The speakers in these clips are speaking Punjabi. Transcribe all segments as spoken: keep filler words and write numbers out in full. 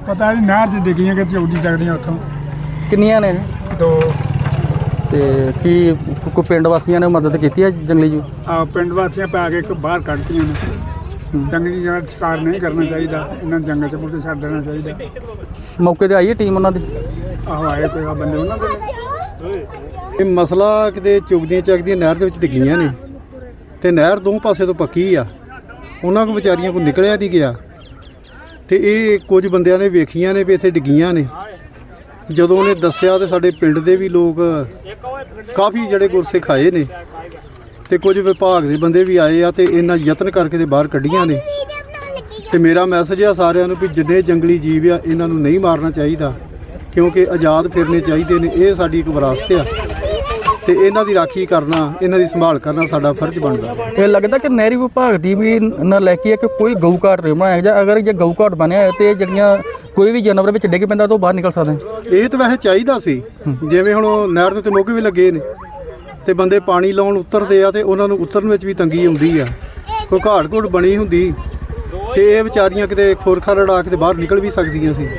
ਪਤਾ ਨਹੀਂ ਨਹਿਰ 'ਚ ਡਿੱਗੀਆਂ ਕਿ ਚੌਦੀ ਚੱਕਦੀਆਂ ਉੱਥੋਂ। ਕਿੰਨੀਆਂ ਨੇ ਦੋ। ਤੇ ਕੀ ਕੋਈ ਪਿੰਡ ਵਾਸੀਆਂ ਨੇ ਮਦਦ ਕੀਤੀ ਹੈ ਜੰਗਲੀ ਜੂ? ਆ ਪਿੰਡ ਵਾਸੀਆਂ ਪਾ ਕੇ ਇੱਕ ਬਾਹਰ ਕੱਢਤੀਆਂ ਨੇ। ਜੰਗਲੀ ਜਗ੍ਹਾ ਸ਼ਿਕਾਰ ਨਹੀਂ ਕਰਨਾ ਚਾਹੀਦਾ, ਇਹਨਾਂ ਜੰਗਲ 'ਚ ਬੁੱਢੇ ਛੱਡ ਦੇਣਾ ਚਾਹੀਦਾ। ਮੌਕੇ ਤੇ ਆਈ ਹੈ ਟੀਮ ਉਹਨਾਂ ਦੀ? ਆਹੋ ਆਏ ਕੋਈ ਬੰਦੇ ਉਹਨਾਂ ਦੇ। ਇਹ ਮਸਲਾ ਕਿਤੇ ਚੁਗਦੀਆਂ ਚੱਕਦੀਆਂ ਨਹਿਰ ਦੇ ਵਿੱਚ ਡਿੱਗੀਆਂ ਨੇ ਤੇ ਨਹਿਰ ਦੋ ਪਾਸੇ ਤੋਂ ਪੱਕੀ ਆ, ਉਹਨਾਂ ਕੋਲ ਵਿਚਾਰੀਆਂ ਕੋਲ ਨਿਕਲਿਆ ਨਹੀਂ ਗਿਆ ਤੇ ਇਹ ਕੁਝ ਬੰਦਿਆਂ ਨੇ ਵੇਖੀਆਂ ਨੇ ਵੀ ਇੱਥੇ ਡਿੱਗੀਆਂ ਨੇ। ਜਦੋਂ ਉਹਨੇ ਦੱਸਿਆ ਤੇ ਸਾਡੇ ਪਿੰਡ ਦੇ ਵੀ ਲੋਕ ਕਾਫੀ ਜਿਹੜੇ ਗੁਰਸਿੱਖ ਆਏ ਨੇ ਤੇ ਕੁਝ ਵਿਭਾਗ ਦੇ ਬੰਦੇ ਵੀ ਆਏ ਆ ਤੇ ਇਹਨਾਂ ਯਤਨ ਕਰਕੇ ਤੇ ਬਾਹਰ ਕੱਢੀਆਂ ਨੇ। ਤੇ ਮੇਰਾ ਮੈਸੇਜ ਆ ਸਾਰਿਆਂ ਨੂੰ ਵੀ ਜਿੰਨੇ ਜੰਗਲੀ ਜੀਵ ਆ ਇਹਨਾਂ ਨੂੰ ਨਹੀਂ ਮਾਰਨਾ ਚਾਹੀਦਾ, ਕਿਉਂਕਿ ਆਜ਼ਾਦ ਫਿਰਨੇ ਚਾਹੀਦੇ ਨੇ। ਇਹ ਸਾਡੀ ਇੱਕ ਵਿਰਾਸਤ ਆ ਤੇ ਇਹਨਾਂ ਦੀ ਰਾਖੀ ਕਰਨਾ, ਇਹਨਾਂ ਦੀ ਸੰਭਾਲ ਕਰਨਾ ਸਾਡਾ ਫਰਜ਼ ਬਣਦਾ। ਇਹ ਲੱਗਦਾ ਕਿ ਨਹਿਰੀ ਵਿਭਾਗ ਦੀ ਵੀ ਨਾ ਲੈ ਕੇ ਕਿ ਕੋਈ ਗਊ ਘਾਟ ਨਹੀਂ ਬਣਾਇਆ ਜਾਂ ਅਗਰ ਜੇ ਗਊ ਘਾਟ ਬਣਿਆ ਹੈ ਤੇ ਜਿਹੜੀਆਂ ਕੋਈ ਵੀ ਜਾਨਵਰ ਵਿੱਚ ਡਿੱਗ ਪੈਂਦਾ ਤਾਂ ਬਾਹਰ ਨਿਕਲ ਸਕਦੇ। ਇਹ ਤਾਂ ਵੈਸੇ ਚਾਹੀਦਾ ਸੀ, ਜਿਵੇਂ ਹੁਣ ਨਹਿਰ ਦੇ ਉੱਤੇ ਮੋਗੇ ਵੀ ਲੱਗੇ ਨੇ ਤੇ ਬੰਦੇ ਪਾਣੀ ਲਾਉਣ ਉਤਰਦੇ ਆ ਤੇ ਉਹਨਾਂ ਨੂੰ ਉਤਰਨ ਵਿੱਚ ਵੀ ਤੰਗੀ ਆਉਂਦੀ ਆ। ਕੋਈ ਘਾਟ ਘੁੱਟ ਬਣੀ ਹੁੰਦੀ ਤੇ ਇਹ ਵਿਚਾਰੀਆਂ ਕਿਤੇ ਖੋਰਖਾ ਰੜਾ ਕੇ ਬਾਹਰ ਨਿਕਲ ਵੀ ਸਕਦੀਆਂ ਸੀ।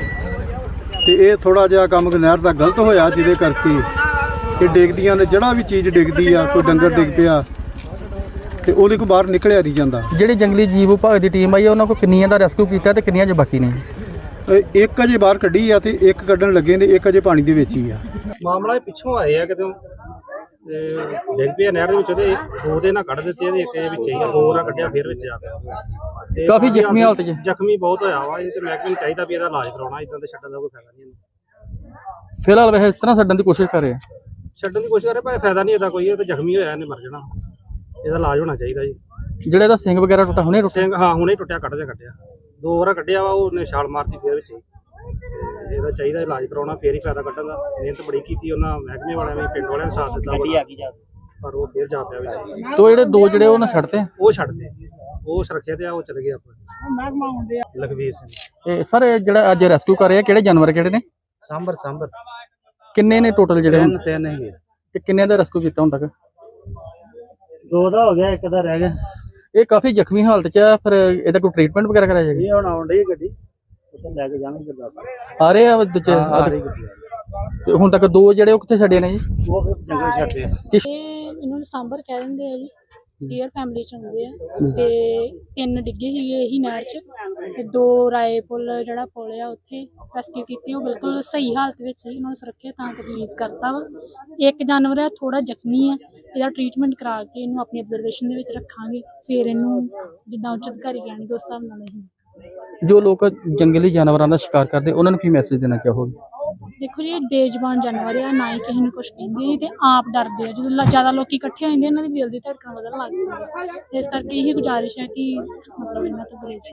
ਤੇ ਇਹ ਥੋੜਾ ਜਿਹਾ ਕੰਮ ਨਹਿਰ ਦਾ ਗਲਤ ਹੋਇਆ, ਜਿਹਦੇ ਕਰਕੇ ਇਹ ਡਿੱਗਦੀਆਂ ਨੇ। ਜਿਹੜਾ ਵੀ ਚੀਜ਼ ਡਿੱਗਦੀ ਆ, ਕੋਈ ਡੰਗਰ ਡਿੱਗ ਪਿਆ ਤੇ ਉਹਦੇ ਕੋਲ ਬਾਹਰ ਨਿਕਲਿਆ ਨਹੀਂ ਜਾਂਦਾ। ਜਿਹੜੀ ਜੰਗਲੀ ਜੀਵ ਵਿਭਾਗ ਦੀ ਟੀਮ ਆਈ ਉਹਨਾਂ ਕੋਲ ਕਿੰਨੀਆਂ ਦਾ ਰੈਸਕਿਊ ਕੀਤਾ ਤੇ ਕਿੰਨੀਆਂ 'ਚ ਬਾਕੀ ਨੇ? ਇੱਕ ਅਜੇ ਬਾਹਰ ਕੱਢੀ ਆ ਤੇ ਇੱਕ ਕੱਢਣ ਲੱਗੇ ਨੇ, ਇੱਕ ਅਜੇ ਪਾਣੀ ਦੇ ਵਿੱਚ ਹੀ ਆ। ਮਾਮਲਾ ਇਹ ਪਿੱਛੋਂ ਆਏ ਆ ਕਿਤੇ ਤੇ ਡਿੱਗ ਪਿਆ ਨਹਿਰ ਦੇ ਵਿੱਚ ਤੇ ਦੋ ਦੇ ਨਾਲ ਕੱਢ ਦਿੱਤੇ ਇਹਦੇ, ਇੱਕ ਦੇ ਵਿੱਚ ਹੀ ਆ, ਦੋ ਨਾਲ ਕੱਢਿਆ ਫਿਰ ਵਿੱਚ ਆ ਗਿਆ ਤੇ ਕਾਫੀ ਜ਼ਖਮੀ ਹਾਲਤ 'ਚ। ਜ਼ਖਮੀ ਬਹੁਤ ਹੋਇਆ ਵਾ ਇਹ ਤੇ ਮਹਿਕਮੇ ਨੂੰ ਚਾਹੀਦਾ ਵੀ ਇਹਦਾ ਇਲਾਜ ਕਰਾਉਣਾ, ਇਦਾਂ ਤੇ ਛੱਡਣ ਦਾ ਕੋਈ ਫਾਇਦਾ ਨਹੀਂ ਇਹਨੂੰ। ਫਿਲਹਾਲ ਵੈਸੇ ਇਸ ਤਰ੍ਹਾਂ ਛੱਡਣ ਦੀ ਕੋਸ਼ਿਸ਼ ਕਰ ਰਹੇ ਆ, ਛੱਡਣ ਦੀ ਕੋਸ਼ਿਸ਼ ਕਰੇ ਪਰ ਫਾਇਦਾ ਨਹੀਂ ਇਹਦਾ ਕੋਈ। ਇਹ ਤੇ ਜ਼ਖਮੀ ਹੋਇਆ, ਇਹਨੇ ਮਰ ਜਾਣਾ, ਇਹਦਾ ਇਲਾਜ ਹੋਣਾ ਚਾਹੀਦਾ ਜੀ। ਜਿਹੜੇ ਇਹਦਾ ਸਿੰਘ ਵਗੈਰਾ ਟੁੱਟਾ ਹੁਣੇ ਟੁੱਟਿਆ? ਸਿੰਘ ਹਾਂ ਹੁਣੇ ਟੁੱਟਿਆ, ਕੱਢਦੇ ਕੱਢਿਆ ਦੋ ਵਾਰ ਕੱਢਿਆ ਵਾ, ਉਹਨੇ ਛਾਲ ਮਾਰਤੀ ਫਿਰ ਵਿੱਚ ਹੀ। ਇਹਦਾ ਚਾਹੀਦਾ ਇਲਾਜ ਕਰਾਉਣਾ, ਫੇਰ ਹੀ ਫਾਇਦਾ ਕੱਢਣ ਦਾ। ਮਿਹਨਤ ਬੜੀ ਕੀਤੀ ਉਹਨਾਂ ਮਹਿਕਮੇ ਵਾਲਿਆਂ ਨੇ, ਪਿੰਡ ਵਾਲਿਆਂ ਨੇ ਸਾਥ ਦਿੱਤਾ ਪਰ ਉਹ ਫੇਰ ਜਾ ਪਿਆ ਵਿੱਚ। ਤੋ ਜਿਹੜੇ ਦੋ ਜਿਹੜੇ ਉਹਨਾਂ ਛੱਡਤੇ ਉਹ ਛੱਡਦੇ, ਉਹ ਸੁਰੱਖਿਆ ਤੇ ਆ, ਉਹ ਚਲੇ ਗਏ ਆਪਾਂ। ਲਖਵੀਰ ਸਿੰਘ। ਇਹ ਸਰ ਜਿਹੜਾ ਅੱਜ ਰੈਸਕਿਊ ਕਰ ਰਹੇ ਆ ਕਿਹੜੇ ਜਾਨਵਰ ਕਿਹੜੇ ਨੇ? ਸਾਂਬਰ ਸਾਂਬਰ ਕਿੰਨੇ ਨੇ ਟੋਟਲ ਜਿਹੜੇ? ਤਿੰਨ ਤਿੰਨ ਹੀ ਤੇ ਕਿੰਨੇ ਦਾ ਰੈਸਕਿਊ ਕੀਤਾ ਹੁਣ ਤੱਕ? ਦੋ ਦਾ ਹੋ ਗਿਆ, ਇੱਕ ਦਾ ਰਹਿ ਗਿਆ। ਇਹ ਕਾਫੀ ਜ਼ਖਮੀ ਹਾਲਤ 'ਚ ਆ, ਫਿਰ ਇਹਦਾ ਕੋਈ ਟ੍ਰੀਟਮੈਂਟ ਵਗੈਰਾ ਕਰਾਇਆ ਜਾਏਗਾ? ਇਹ ਹੁਣ ਆਉਣ ਡਈ ਗੱਡੀ, ਉੱਥੇ ਲੈ ਕੇ ਜਾਣਗੇ ਗੁਰਦਾਸਪੁਰ। ਆ ਰਹੇ ਆ ਦੂਜੇ? ਆ ਰਹੀ ਗੱਡੀ। ਤੇ ਹੁਣ ਤੱਕ ਦੋ ਜਿਹੜੇ ਉਹ ਕਿੱਥੇ ਛੱਡੇ ਨੇ ਜੀ? ਉਹ ਫਿਰ ਜੰਗਲ ਛੱਡਦੇ ਆ। ਇਹ ਇਹਨੂੰ ਸਾਂਬਰ ਕਹਿ ਦਿੰਦੇ ਆ ਜੀ, ਡੀਅਰ ਫੈਮਿਲੀ ਚ ਹੁੰਦੇ ਆ। ਤੇ ਤਿੰਨ ਡਿੱਗੇ ਸੀਗੇ ਇਹੀ ਨਹਿਰ ਚ ਤੇ ਦੋ ਰਾਏ ਪੁੱਲ ਜਿਹੜਾ ਪੁੱਲ ਆ ਉੱਥੇ ਰੈਸਕਿਊ ਕੀਤੀ। ਉਹ ਬਿਲਕੁਲ ਸਹੀ ਹਾਲਤ ਵਿੱਚ ਸੀ, ਉਹਨਾਂ ਨੂੰ ਸੁਰੱਖਿਅਤ ਥਾਂ ਤੇ ਰਿਲੀਜ਼ ਕਰਤਾ ਵਾ। ਇੱਕ ਜਾਨਵਰ ਆ ਥੋੜਾ ਜ਼ਖਮੀ ਆ, ਇਹਦਾ ਟ੍ਰੀਟਮੈਂਟ ਕਰਾ ਕੇ ਇਹਨੂੰ ਆਪਣੀ ਅਬਜ਼ਰਵੇਸ਼ਨ ਦੇ ਵਿੱਚ ਰੱਖਾਂਗੇ, ਫਿਰ ਇਹਨੂੰ ਜਿੱਦਾਂ ਉੱਚ ਅਧਿਕਾਰੀ ਕਹਿਣਗੇ ਉਸ ਹਿਸਾਬ ਨਾਲ ਇਹ। ਜੋ ਲੋਕ ਜੰਗਲੀ ਜਾਨਵਰਾਂ ਦਾ ਸ਼ਿਕਾਰ ਕਰਦੇ ਉਹਨਾਂ ਨੂੰ ਕੀ ਮੈਸੇਜ ਦੇਣਾ ਚਾਹੋਗੇ? ਦੇਖੋ ਜੀ, ਇਹ ਬੇਜ਼ੁਬਾਨ ਜਾਨਵਰ ਆ, ਨਾ ਹੀ ਕਿਸੇ ਨੂੰ ਕੁਝ ਕਹਿੰਦੇ ਤੇ ਆਪ ਡਰਦੇ ਆ। ਜਦੋਂ ਜ਼ਿਆਦਾ ਲੋਕੀ ਇਕੱਠੇ ਹੋ ਜਾਂਦੇ ਇਹਨਾਂ ਦੀ ਦਿਲ ਦੀ ਧੜਕਣ ਵਧਣ ਲੱਗ ਜਾਂਦੀ ਹੈ। ਇਸ ਕਰਕੇ ਇਹੀ ਗੁਜ਼ਾਰਿਸ਼ ਹੈ ਕਿ ਮਤਲਬ ਇਹਨਾਂ ਤੋਂ ਗੁਰੇਜ਼